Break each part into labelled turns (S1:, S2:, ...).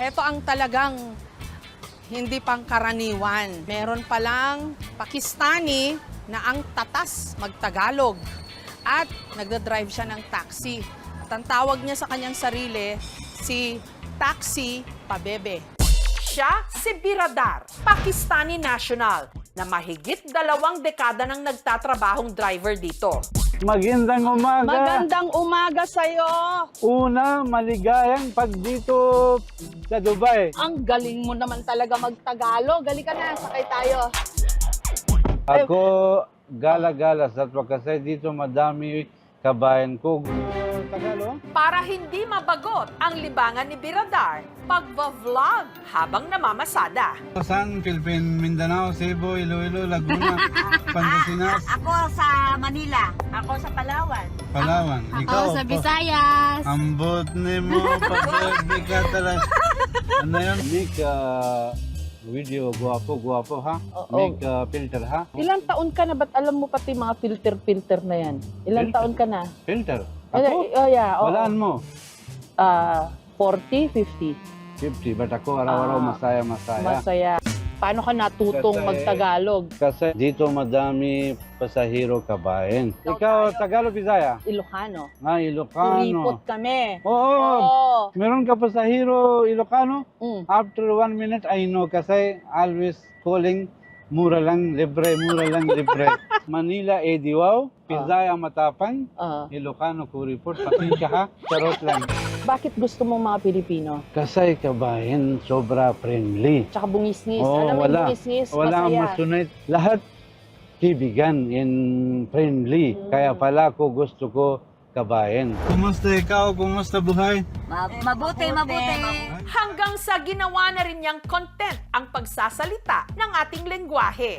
S1: Heto ang talagang hindi pangkaraniwan. Meron palang Pakistani na ang tatas magtagalog at nagdadrive siya ng taxi. At ang tawag niya sa kanyang sarili, si Taxi Pabebe. Siya si Biradar, Pakistani national, na mahigit 2 dekada nang nagtatrabahong driver dito.
S2: Magandang umaga.
S1: Magandang umaga sa'yo!
S2: Una, maligayang pag dito sa Dubai.
S1: Ang galing mo naman talaga magtagalog. Gali ka na, sakay tayo.
S2: Ako gala-gala sa kasi dito madami kabayan ko. Tagalog?
S1: Para hindi mabagot ang libangan ni Biradar, pagva-vlog habang namamasada.
S2: San, Philippine, Mindanao, Cebu, Iloilo, Laguna, Pangasinas,
S3: Ako sa Manila. Ako sa Palawan.
S2: Palawan. Ikaw,
S3: Ako sa Visayas.
S2: ambot ni mo, pag-ibig ka talaga. Ano yun? Make video, guwapo ha? Make filter ha?
S4: Ilang taon ka na? Ba't alam mo pati mga filter na yan? Ilang
S2: Filter?
S4: taon ka na?
S2: Filter?
S4: Oh,
S2: Ako?
S4: yeah. Oo.
S2: Walaan mo?
S4: 40, 50.
S2: 50, but ako araw-araw masaya.
S4: Masaya. Paano ka natutong
S2: Kasi-
S4: magtagalog?
S2: Kasi dito madami pasahero kabayan. Ikaw, Tagalog, Bisaya?
S4: Ilocano.
S2: Ilocano.
S4: Kuripot kami.
S2: Oo.
S4: Oo.
S2: Meron ka pasahero Ilocano?
S4: Mm.
S2: After 1 minute, I know kasi always calling mura lang libre. Manila, Ediwaw. Bisaya, Matapang. Ilocano, Kuripot. Pati ka ha? Charot lang.
S4: Bakit gusto mo mga Pilipino?
S2: Kasi kabayan, sobra friendly.
S4: Tsaka bungis-ngis.
S2: Oo,
S4: Alam mo yung
S2: wala.
S4: bungis-ngis,
S2: Wala ang
S4: masaya.
S2: masunod. Lahat kibigan and friendly. Kaya pala ko gusto ko kabayan. Kumusta ikaw? Kumusta buhay?
S3: Mabuti.
S1: Hanggang sa ginawa na rin niyang content ang pagsasalita ng ating lengguwahe.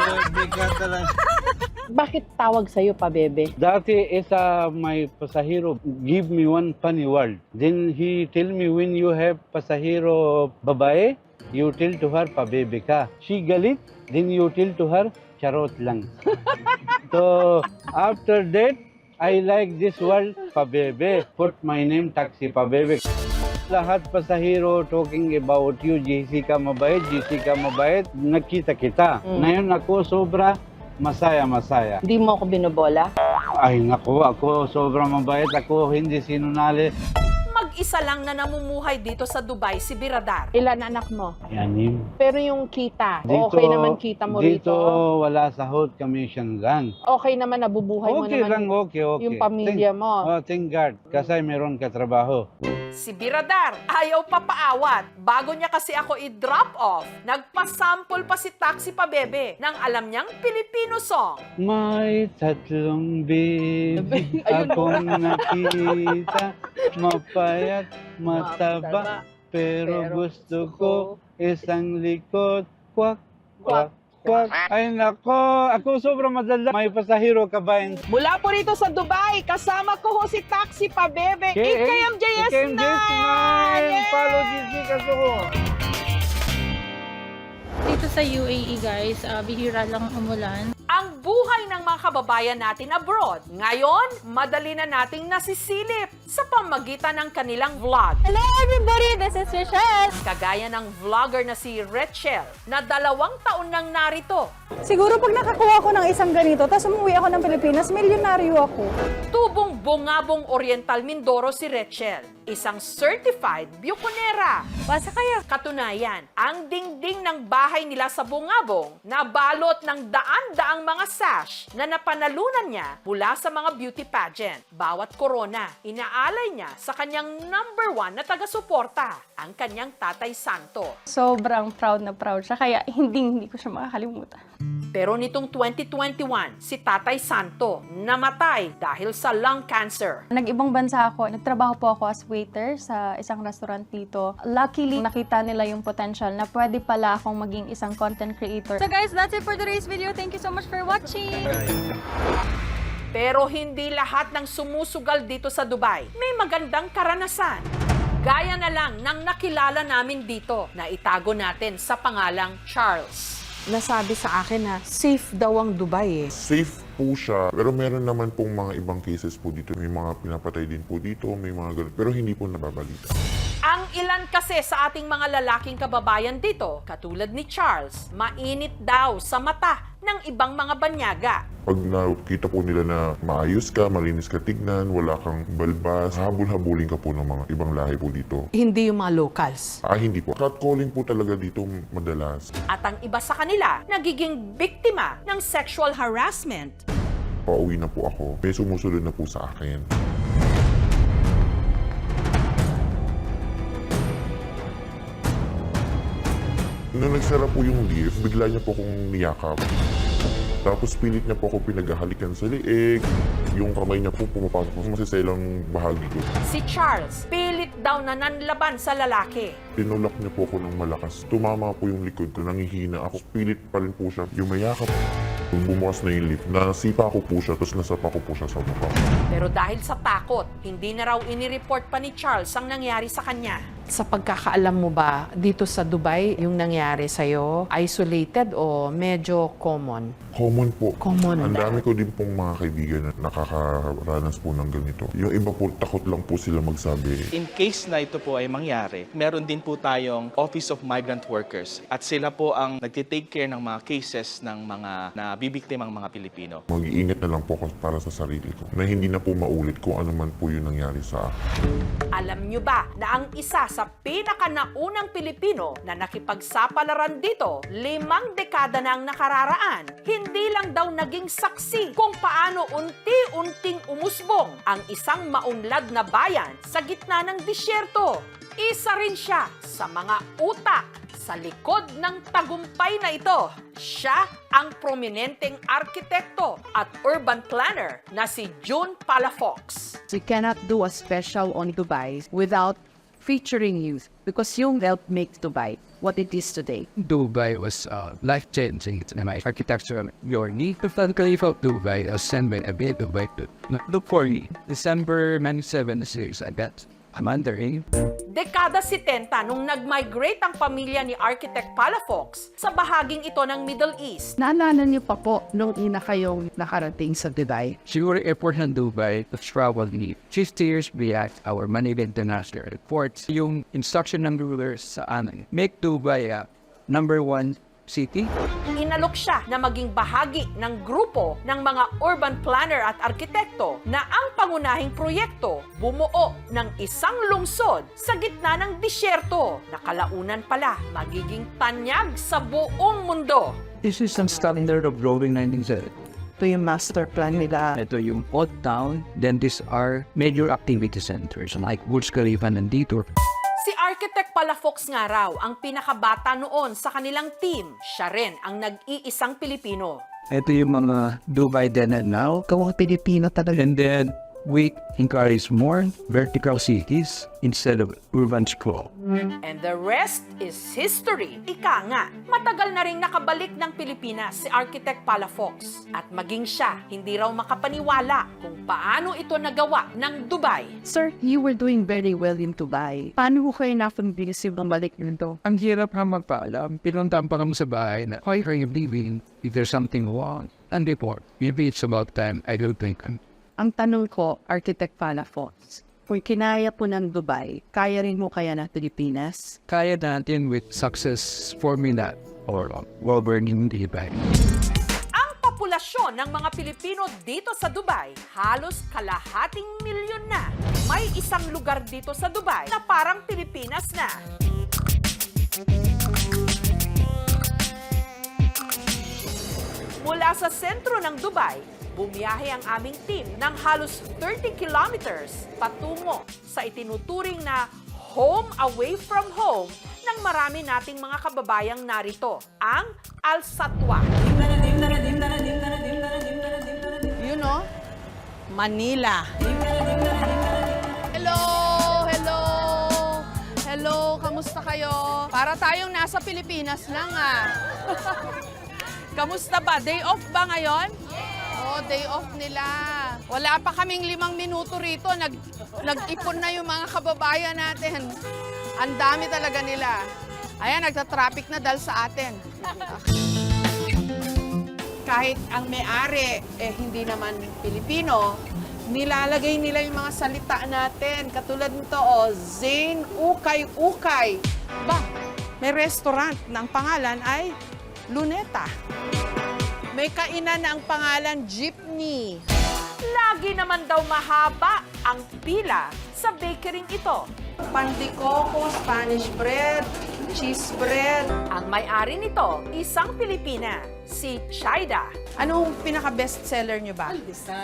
S4: Bakit tawag sa'yo pa, bebe?
S2: Dati isa may pasahero give me one funny word. Then he tell me when you have pasahero babae, you tell to her pabebe ka. She galit, then you tell to her charot lang. So after that, I like this word pabebe. Put my name Taxi Pabebe. Lahat pasahero talking about you, Jessica mabait, nakita kita. Ngayon ako sobra masaya.
S4: Hindi mo ako binobola?
S2: Ay naku, ako sobrang mabait, ako hindi sinunali.
S1: Mag-isa lang na namumuhay dito sa Dubai si Biradar.
S4: Ilan anak mo?
S2: Yanim.
S4: Pero yung kita, okay naman kita mo
S2: dito
S4: rito?
S2: wala sahod, commission lang.
S4: Okay naman, nabubuhay mo
S2: Okay lang,
S4: naman
S2: okay.
S4: yung pamilya mo.
S2: Thank God, kasi meron ka trabaho.
S1: Si Biradar ayaw papaawat. Bago niya kasi ako i-drop off, nagpasample pa si Taxi Pabebe ng alam niyang Filipino song.
S2: May tatlong baby akong nakita, mapayat, mataba, pero gusto ko isang likod, kwak, kwak, kwak. Ay nako, ako sobrang madala. May pasahero kabayan.
S4: Mula po rito sa Dubai, kasama ko ho si Taxi Pabebe, IKMJS9!
S2: Follow Jessica ko.
S5: Dito sa UAE guys, bihira lang umulan.
S1: Ang buhay ng mga kababayan natin abroad. Ngayon, madali na nating nasisilip sa pamagitan ng kanilang vlog.
S5: Hello everybody, this is Rachel.
S1: Kagaya ng vlogger na si Rachel na 2 taon nang narito.
S6: Siguro pag nakakuha ko ng isang ganito, tapos umuwi ako ng Pilipinas, milyonaryo ako.
S1: Tubong Bungabong Oriental Mindoro si Rachel, isang certified bukonera.
S5: Basa kayo.
S1: Katunayan, ang dingding ng bahay nila sa Bungabong nabalot ng daan-daang mga sash na napanalunan niya mula sa mga beauty pageant. Bawat korona, inaalay niya sa kanyang #1 na taga-suporta, ang kanyang Tatay Santo.
S5: Sobrang proud na proud siya, kaya hindi ko siya makakalimutan.
S1: Pero nitong 2021, si Tatay Santo namatay dahil sa lung cancer.
S5: Nag-ibang bansa ako. Nagtrabaho po ako as waiter sa isang restaurant dito. Luckily, nakita nila yung potential na pwede pala akong maging isang content creator. So guys, that's it for today's video. Thank you so much for watching!
S1: Pero hindi lahat ng sumusugal dito sa Dubai may magandang karanasan. Gaya na lang ng nakilala namin dito na itago natin sa pangalang Charles.
S4: Nasabi sa akin na safe daw ang Dubai eh.
S7: Safe po siya, pero meron naman pong mga ibang cases po dito. May mga pinapatay din po dito, may mga ganun, pero hindi po nababalita.
S1: Ang ilan kasi sa ating mga lalaking kababayan dito, katulad ni Charles, mainit daw sa mata ng ibang mga banyaga.
S7: Pag nakita po nila na maayos ka, malinis ka tignan, wala kang balbas, habol-habulin ka po ng mga ibang lahi po dito.
S1: Hindi yung mga locals.
S7: Hindi po. Catcalling po talaga dito madalas.
S1: At ang iba sa kanila, nagiging biktima ng sexual harassment.
S7: Pauwi na po ako. May sumusunod na po sa akin. Nung nagsara po yung lift, bigla niya po akong niyakap. Tapos pilit niya po ako pinaghahalikan sa liig. Yung kamay niya po pumapasok sa masiselang bahagi ko.
S1: Si Charles, pilit daw na nanlaban sa lalaki.
S7: Tinulak niya po ako ng malakas. Tumama po yung likod ko, nangihina ako. Pilit pa rin po siya. Yung mayakap. Bumukas na yung lift, nasipa ko po siya, tapos nasapa ko po siya sa mukha.
S1: Pero dahil sa takot, hindi na raw inireport pa ni Charles ang nangyari sa kanya. Sa pagkakaalam mo ba, dito sa Dubai, yung nangyari sa'yo, isolated o medyo common?
S7: Common po.
S1: Common.
S7: Ang dami ko din pong mga kaibigan na nakakaranas po ng ganito. Yung iba po, takot lang po sila magsabi.
S8: In case na ito po ay mangyari, meron din po tayong Office of Migrant Workers at sila po ang nagtitake care ng mga cases ng mga nabibiktimang mga Pilipino.
S7: Mag-iingat na lang po ako para sa sarili ko. Na hindi na po maulit kung ano man po yung nangyari sa akin.
S1: Alam nyo ba na ang isa sa pinakanaunang Pilipino na nakipagsapalaran dito, 5 dekada na ang nakararaan, hindi lang daw naging saksi kung paano unti-unting umusbong ang isang maunlad na bayan sa gitna ng disyerto. Isa rin siya sa mga utak sa likod ng tagumpay na ito. Siya ang prominenteng arkitekto at urban planner na si June Palafox.
S9: You cannot do a special on Dubai without featuring youth because you helped make Dubai what it is today.
S10: Dubai was life-changing. It's my architecture journey. The Khalifa of Dubai was sent by a bit Dubai to look for me. December 1976, I bet. I'm undering.
S1: Dekada 70 nung nag-migrate ang pamilya ni Architect Palafox sa bahaging ito ng Middle East.
S9: Naalala niyo pa po nung ina kayong nakarating sa Dubai?
S10: Siguro airport ng Dubai to travel me. 50 years back, our Manila International Airport. Yung instruction ng rulers sa amin, make Dubai a #1 city.
S1: Inalok siya na maging bahagi ng grupo ng mga urban planner at arkitekto na ang pangunahing proyekto bumuo ng isang lungsod sa gitna ng disyerto na kalaunan pala magiging tanyag sa buong mundo.
S10: This is some standard of drawing 1970.
S9: Ito yung master plan nila.
S10: Ito yung odd town. Then these are major activity centers like Burj Khalifa nandito.
S1: Si Architect Palafox nga raw ang pinakabata noon sa kanilang team. Siya rin ang nag-iisang Pilipino.
S10: Ito yung mga Dubai then and now.
S9: Kawang Pilipino talaga.
S10: And then we encourage more vertical cities instead of urban sprawl.
S1: And the rest is history. Ika nga, matagal na ring nakabalik ng Pilipinas si Architect Palafox. At maging siya, hindi raw makapaniwala kung paano ito nagawa ng Dubai.
S9: Sir, you were doing very well in Dubai. Paano ko kayo na-convince yung bumalik nito?
S10: Ang hirap nga magpaalam. Pinuntahan pa kami sa bahay na, why are you leaving? If there's something wrong, and report. Maybe it's about time. I don't think.
S9: Ang tanong ko, Architect Palafox, kung kinaya po ng Dubai, kaya rin mo kaya ng Pilipinas?
S10: Kaya natin with success formula or well-burning Dubai.
S1: Ang populasyon ng mga Pilipino dito sa Dubai, halos kalahating milyon na. May isang lugar dito sa Dubai na parang Pilipinas na. Mula sa sentro ng Dubai, bumiyahe ang aming team ng halos 30 kilometers patungo sa itinuturing na home away from home ng marami nating mga kababayang narito, ang Al Satwa.
S4: You know, Manila.
S1: Hello! Hello! Hello! Kamusta kayo? Para tayong nasa Pilipinas lang Kamusta ba? Day off ba ngayon? Oh, day off nila. Wala pa kaming 5 minuto rito. Nag-ipon na yung mga kababayan natin. Ang dami talaga nila. Ayan, nagta-traffic na dahil sa atin.
S4: Kahit ang may-ari, hindi naman Pilipino,
S1: Nilalagay nila yung mga salita natin. Katulad nito, Zane Ukay-Ukay. Ba, may restaurant na ang pangalan ay Luneta. May kainan na ang pangalan Jeepney.
S11: Lagi naman daw mahaba ang pila sa bakeryng ito.
S1: Panticoco, Spanish bread, cheese bread.
S11: Ang may-ari nito, isang Pilipina, si Chaida.
S1: Anong pinaka-best seller nyo ba?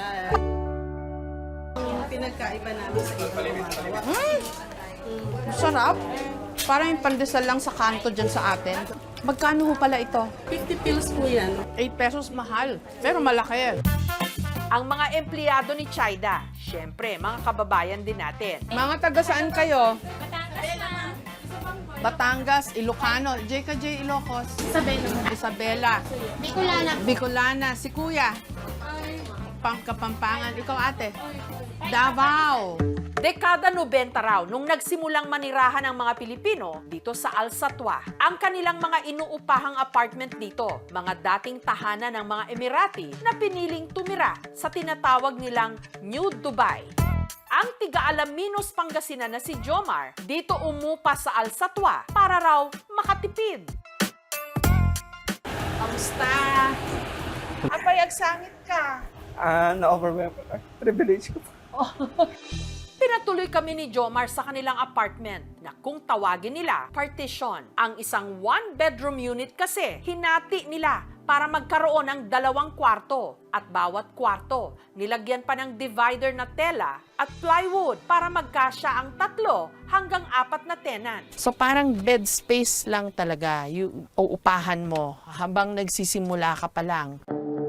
S4: Pinagkaiba namin sa ibang
S1: Sarap. Parang yung pandesal lang sa kanto dyan sa atin. Magkano ho pala ito?
S4: 50 pills po yan.
S1: 8 pesos mahal. Pero malaki.
S11: Ang mga empleyado ni Chaida, syempre, mga kababayan din natin.
S1: Mga taga saan kayo? Batangas, Ilocano. J. Ilocos. Isabela. Bicolana. Si Kuya. Kapampangan. Ikaw ate. Davao.
S11: Dekada 90 raw nung nagsimulang manirahan ang mga Pilipino dito sa Al Satwa. Ang kanilang mga inuupahang apartment dito, mga dating tahanan ng mga Emirati na piniling tumira sa tinatawag nilang New Dubai. Ang tiga-Alaminos Pangasinan na si Jomar dito umupa sa Al Satwa para raw makatipid.
S1: Kamusta? Apayag sangit ka.
S2: Na-overwhelm. Privilege ko.
S11: Pinatuloy kami ni Jomar sa kanilang apartment na kung tawagin nila partition. Ang isang one-bedroom unit kasi hinati nila para magkaroon ng 2 kwarto. At bawat kwarto, nilagyan pa ng divider na tela at plywood para magkasya ang 3 hanggang 4 na tenant.
S1: So parang bed space lang talaga yung uupahan mo habang nagsisimula ka pa lang.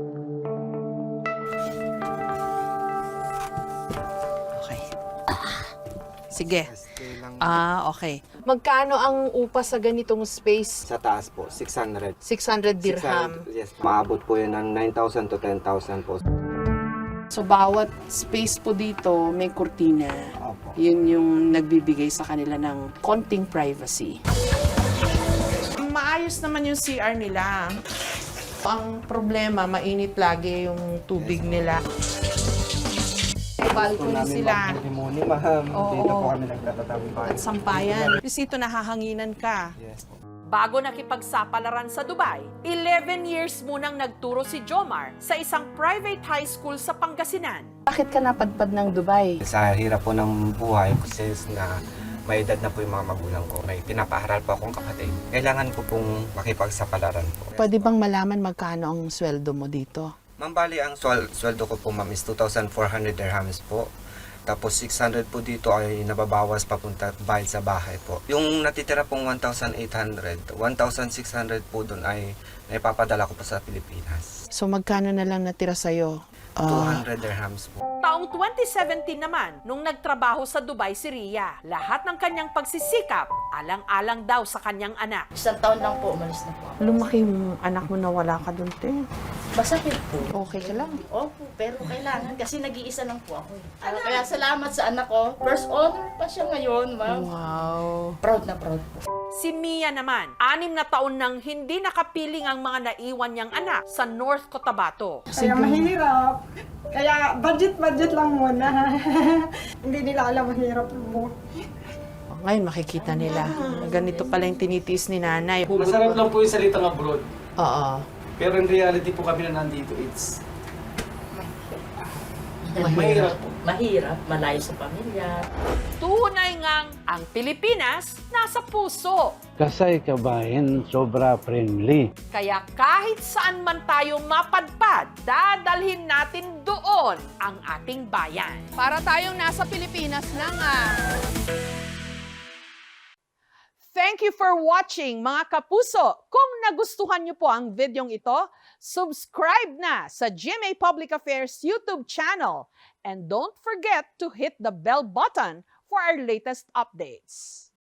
S1: Okay. Sige. Okay. Magkano ang upa sa ganitong space?
S12: Sa taas po, 600.
S1: 600 dirham.
S12: 600, yes. Maabot po yun ng 9,000 to 10,000 po.
S1: So bawat space po dito may kurtina.
S12: Opo.
S1: Yun yung nagbibigay sa kanila ng konting privacy. Maayos naman yung CR nila. Ang problema, mainit lagi yung tubig nila. Balcony sila.
S12: Balcony, ma'am.
S1: Oo.
S12: Dito po kami nagtatatambay.
S1: At sampayan. Kasi ito nahahanginan ka.
S12: Yes po.
S11: Bago nakipagsapalaran sa Dubai, 11 years munang nagturo si Jomar sa isang private high school sa Pangasinan.
S1: Bakit ka napadpad ng Dubai?
S12: Sa hirap po ng buhay, since na may edad na po yung mga magulang ko, may pinapaharal po akong kapatid. Kailangan ko pong makipagsapalaran po.
S1: Pwede bang malaman magkano ang sweldo mo dito?
S12: Ma'am, bali ang sweldo ko po, ma'am, is 2,400 dirhams po. Tapos 600 po dito ay nababawas papunta bayad sa bahay po. Yung natitira pong 1,800, 1,600 po doon ay naipapadala ko po sa Pilipinas.
S1: So magkano na lang natira sa'yo?
S12: 200 dirhams po.
S11: Taong 2017 naman, nung nagtrabaho sa Dubai si Ria, lahat ng kanyang pagsisikap, alang-alang daw sa kanyang anak.
S3: 1 taon lang po, umalis na po.
S1: Lumaki yung anak mo na wala ka doon, te.
S3: Masakit po.
S1: Okay ka lang.
S3: Opo, pero kailangan kasi nag-iisa lang po ako. Kaya salamat sa anak ko. First honor pa siya ngayon, ma'am.
S1: Wow.
S3: Proud na proud po.
S11: Si Mia naman, 6 na taon nang hindi nakapiling ang mga naiwan niyang anak sa North Cotabato.
S6: Kaya mahirap. Kaya budget lang muna. Hindi nila alam mahirap mo.
S1: Ngayon makikita nila. Ganito pala yung tinitiis ni nanay.
S13: Masarap lang po yung salitang abroad.
S1: Oo.
S13: Pero in reality po kami na nandito, it's mahirap po.
S3: Mahirap, malayo sa pamilya.
S11: Tunay ngang ang Pilipinas nasa puso.
S2: Kasay kabayan, sobra friendly.
S11: Kaya kahit saan man tayo mapadpad, dadalhin natin doon ang ating bayan.
S1: Para tayong nasa Pilipinas lang Thank you for watching, mga kapuso. Kung nagustuhan niyo po ang videong ito, subscribe na sa GMA Public Affairs YouTube channel. And don't forget to hit the bell button for our latest updates.